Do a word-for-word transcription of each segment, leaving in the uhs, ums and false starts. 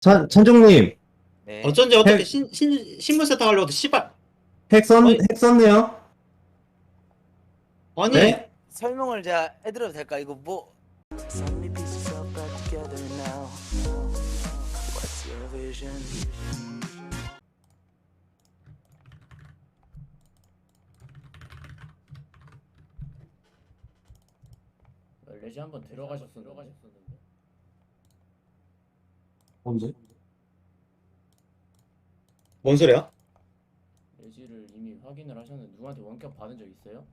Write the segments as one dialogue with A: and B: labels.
A: 찬, 찬종님,
B: 네.
C: 어쩐지 어떻게
A: 핵-
C: 신, 신, 신문 세탁하려고 도 씨발
A: 핵 썼,
C: 아니.
A: 핵 썼네요?
C: 아니
A: 네?
B: 설명을 제가 해드려도 될까? 이거 뭐
D: So many pieces all back together now. What's your vision?
E: 레지 한번 들어가셨어 들어가셨었는데
A: 언제?
C: 뭔 소리야?
E: 레지를 이미 확인을 하셨는데 누구한테 원격 받은 적 있어요?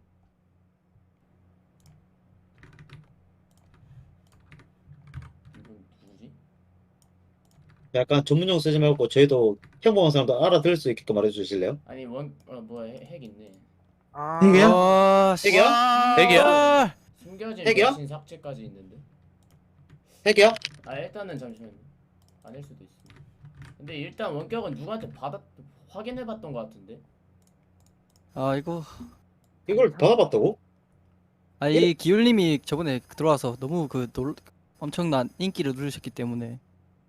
E: 이분 누구지?
C: 약간 전문용 쓰지 말고 저희도 평범한 사람도 알아들을 수 있게끔 말해주실래요?
E: 아니 원.. 어 뭐야 핵, 핵 있네.
F: 아,
A: 핵이야?
F: 와,
C: 핵이야?
F: 핵이야?
E: 숨겨진
C: 핵이야?
E: 백신 삭제까지 있는데.
C: 핵이야?
E: 아 일단은 잠시만요. 아닐 수도 있습니다. 근데 일단 원격은 누구한테 받았.. 확인해봤던 것 같은데.
F: 아, 이거.
C: 이걸 받아봤다고?
F: 아, 이 기울님이 저번에 들어와서 너무 그 놀, 엄청난 인기를 누르셨기 때문에.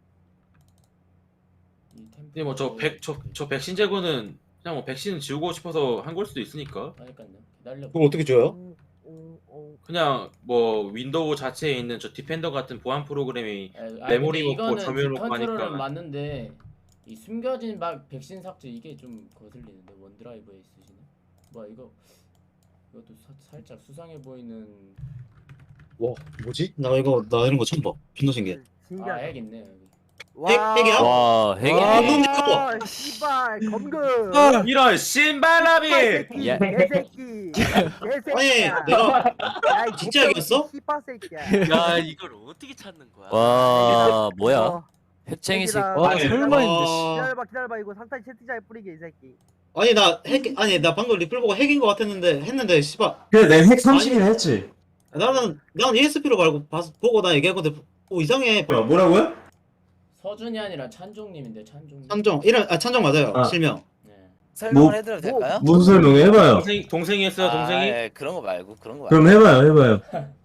E: 이 템플
G: 근데 뭐 저 백 저 저 백신 제거는 그냥 뭐 백신 지우고 싶어서 한 걸 수도 있으니까.
E: 그러니까요. 기다려.
C: 그걸 어떻게 줘요?
G: 그냥 뭐 윈도우 자체에 있는 저 디펜더 같은 보안 프로그램이
E: 아,
G: 메모리
E: 근데
G: 먹고
E: 이거는
G: 점유율 먹고
E: 디컨트롤은
G: 하니까.
E: 맞는데 이 숨겨진 막 백신 삭제 이게 좀 거슬리는데 원드라이브에 있으시네. 뭐야 이거 이것도 사, 살짝 수상해 보이는.
C: 와 뭐지? 나 이거 나 이런 거 처음 봐. 존나 신기해.
E: 아 핵 있네 여기.
C: 핵, 핵이야?
H: 와, 핵이
C: 와,
H: 핵이-
C: 너
I: 씨발 검금
G: 이런 신발라비.
I: 새끼
H: 야.
I: 개새끼 개새끼야
C: 아니 내가
I: 야, 이
C: 진짜 얘기했어?
I: 씨발 새끼야
H: 야, 이걸 어떻게 찾는 거야? 와, 뭐야?
I: 어,
H: 핵쟁이식.
I: 새끼다.
F: 와,
C: 아니,
F: 설마 했는데, 씨.
C: 어,
I: 기다려봐 기다려봐 이거 상탄 채팅창에 뿌리게 이 새끼
C: 아니 나 핵 아니 나 방금 리플 보고 핵인 거 같았는데 했는데 씨발
A: 그래, 내가 핵 삼십이나 했지.
C: 나는 난 이에스피로 말고 봐서 보고 나 얘기했거든. 오 이상해.
A: 뭐야, 뭐라고요?
E: 서준이 아니라 찬종님인데 찬종.
C: 찬정 이름 아 찬정 맞아요.
A: 아.
C: 실명.
E: 네.
B: 설명을
A: 뭐-
B: 해드려도 될까요?
A: 무슨 설명 해봐요.
G: 동생 동생이 했어요 동생이.
B: 아, 예, 그런 거 말고 그런 거 말고.
A: 그럼 해봐요, 해봐요.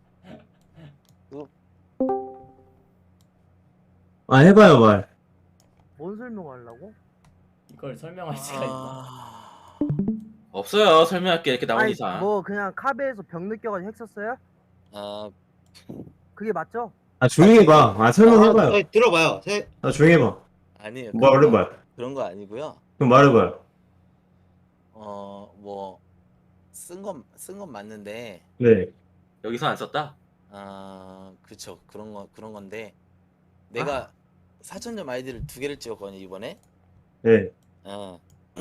A: 아, 해봐요, 말.
I: 뭔 설명하려고?
E: 이걸 설명할 수가 있나?
B: 아...
G: 없어요 설명할 게 이렇게 나온
I: 아니
G: 이상.
I: 뭐 그냥 카베에서 병 느껴가지고 핵 썼어요?
B: 아,
I: 그게 맞죠?
A: 아, 조용히 해봐. 아, 설명해봐요.
C: 아, 들어봐요. 세,
A: 아, 조용히 해봐.
B: 아니에요.
A: 뭐
B: 그런 거-
A: 말해봐요.
B: 그런 거 아니고요.
A: 그럼 말해봐요.
B: 어, 뭐 쓴 건 쓴 건 맞는데
A: 네.
G: 여기서 안 썼다.
B: 아, 그쵸. 그런 거 그런 건데 내가 사천점 아이디를 두 개를 찍었거든요, 이번에.
A: 네.
B: 어.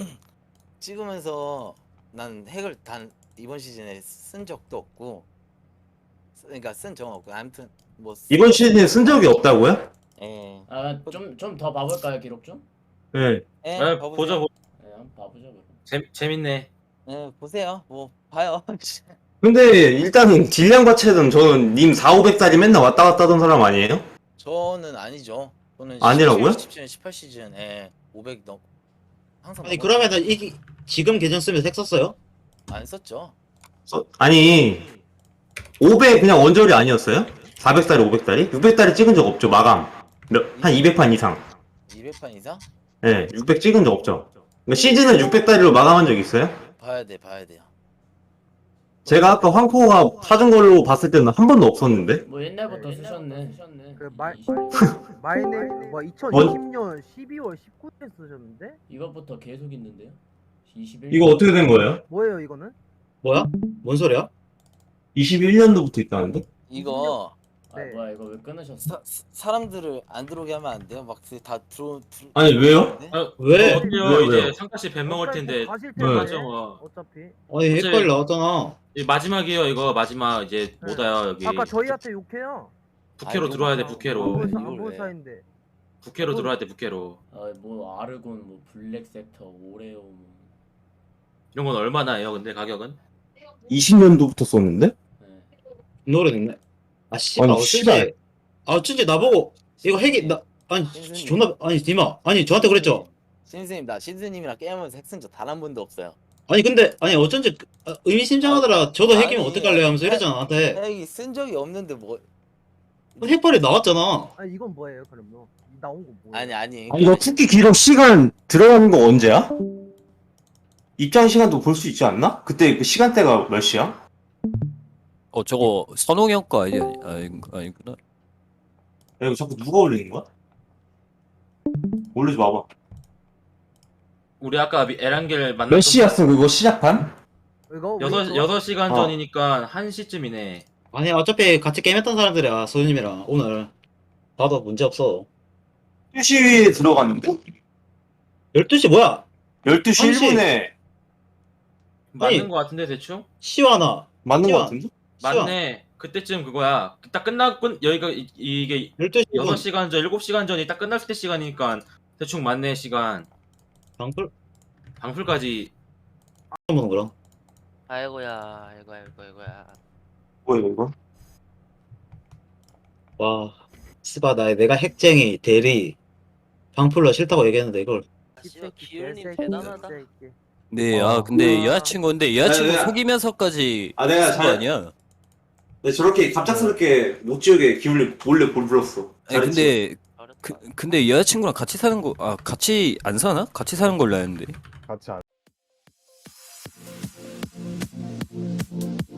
B: 찍으면서 난 핵을 단 이번 시즌에 쓴 적도 없고, 쓰- 그러니까 쓴 적은 없고, 아무튼 뭐 쓰-
A: 이번 시즌에 쓴 적이 없다고요?
B: 예,
E: 아좀 좀 더 봐볼까요 기록 좀?
A: 네.
B: 예,
G: 아,
B: 봐보세요.
G: 보자 보.
E: 네 한번 봐보자 그럼.
G: 재 재밌네.
B: 예, 보세요. 뭐 봐요.
A: 근데 일단 딜량 자체는 저는 님 사오백짜리 맨날 왔다 갔다 하던 사람 아니에요?
B: 저는 아니죠. 저는
A: 아니라고요?
B: 십칠 시즌, 십팔 시즌, 예, 오백 넘 항상
C: 아니
B: 넘었-
C: 그러면은 이 지금 계정 쓰면서 핵 썼어요?
B: 안 썼죠.
A: 써- 아니 오백 그냥 원저리 아니었어요? 사백짜리 오백짜리? 육백짜리 찍은 적 없죠 마감 몇, 한 이백 판 이상
B: 이백 판 이상?
A: 네 육백 찍은 적 없죠 그러니까 시즌은 육백짜리로 마감한 적 있어요?
B: 봐야 돼, 봐야 돼요.
A: 제가 아까 황코가 사준 걸로 봤을 때는 한 번도 없었는데
E: 뭐 옛날부터 쓰셨네. 쓰셨네.
I: 그 말-
E: 이-
I: 마이네 뭐 이천이십 년 십이월 십구일에 쓰셨는데?
E: 이것부터 계속 있는데요. 이십일.
A: 이거 어떻게 된 거예요?
I: 뭐예요 이거는?
C: 뭐야? 뭔 소리야?
A: 이십일 년도부터 있다는데?
B: 이거
E: 아
I: 네.
E: 뭐야 이거 왜 끊으셨어?
B: 사, 사- 사람들을 안 들어오게 하면 안 돼요? 막 다 들어, 들어
A: 아니 왜요?
B: 네?
G: 아,
C: 왜?
G: 어때요?
A: 왜요,
G: 이제
A: 왜요?
G: 상가씨 뱀 먹을 텐데.
I: 가실
A: 네.
I: 텐데
G: 맞아. 뭐.
I: 어차피
C: 아니 핵빨 나왔잖아.
G: 이 마지막이에요 이거 마지막 이제
I: 네.
G: 못 와요 여기.
I: 아까 저희한테 욕해요
G: 부캐로
B: 아이고,
G: 들어와야 돼
B: 아,
G: 부캐로.
I: 안본
B: 이걸
I: 안본
B: 왜?
I: 사인데
G: 부캐로 들어와야 돼 부캐로.
E: 아뭐 아르곤 뭐 블랙 섹터 오레오 뭐.
G: 이런 건 얼마나 해요 근데 가격은?
A: 이십 년도부터 썼는데?
E: 네.
C: 노래 됐네. 아 씨발
A: 아니,
C: 어쩐지
A: 씨발.
C: 아 어쩐지 나보고 이거 핵이 나 아니 지- 존나 아니 디마 아니 저한테 그랬죠.
B: 신선생님 나 신선생님이랑 게임하면서 핵 쓴 적 단 한 번도 없어요.
C: 아니 근데 아니 어쩐지 그- 아, 의미심장하더라. 저도 핵이면
B: 아니,
C: 어떡할래요 하면서
B: 핵-
C: 이랬잖아 나한테.
B: 핵이 쓴 적이 없는데 뭐
C: 핵빨이 나왔잖아.
I: 아니 이건 뭐예요 그럼요? 나온 거 뭐야?
B: 아니 아니.
A: 아니 너 특기 기록 시간 들어가는 거 언제야? 입장 시간도 볼 수 있지 않나? 그때 그 시간대가 몇 시야?
H: 어 저거 선홍형 거 아니 아니 아니구나.
A: 야 이거 자꾸 누가 올리는 거야? 올리지 마봐.
G: 우리 아까 미- 에란겔 만났던
A: 몇 시였어 그거 시작판?
I: 이거 우리
G: 여섯
I: 저-
G: 여섯 시간
A: 어.
G: 전이니까 한 시쯤이네.
C: 아니 어차피 같이 게임했던 사람들이야 소유님이랑 오늘 봐도 문제 없어.
A: 두 시에 들어갔는데?
C: 열두 시 뭐야?
A: 열두 시
C: 한 시.
A: 일 분에
G: 맞는
C: 아니.
G: 거 같은데 대충?
C: 시와나
A: 맞는
C: 시간.
A: 거 같은데?
G: 맞네. 그때쯤 그거야. 딱 끝나고 여기가 이, 이게
C: 열두 시
G: 여섯 시간 전, 일곱 시간 전이 딱 끝났을 때 시간이니까 대충 맞네 시간.
C: 방풀
G: 방풀까지.
C: 보는 거랑.
H: 아이고야 아이고 아이고 아이고야.
A: 뭐야 이거?
C: 와 스바 나 내가 핵쟁이 대리 방풀러 싫다고 얘기했는데 이걸
H: 아, 씨발
I: 개새끼,
H: 기율님
I: 개새끼,
H: 대단하다.
I: 개새끼.
H: 네,
A: 어.
H: 아 근데
I: 아.
H: 여자친구인데 여자친구
A: 아, 내가-
H: 속이면서까지
A: 아, 내가
H: 쓴 거
A: 잘-
H: 아니야?
A: 내 저렇게 갑작스럽게 못 지우게 기울리 몰래 볼 불렀어.
H: 아니 근데 그 근데 여자친구랑 같이 사는 거 아 같이 안 사나? 같이 사는 걸로 아는데.
J: 같이 안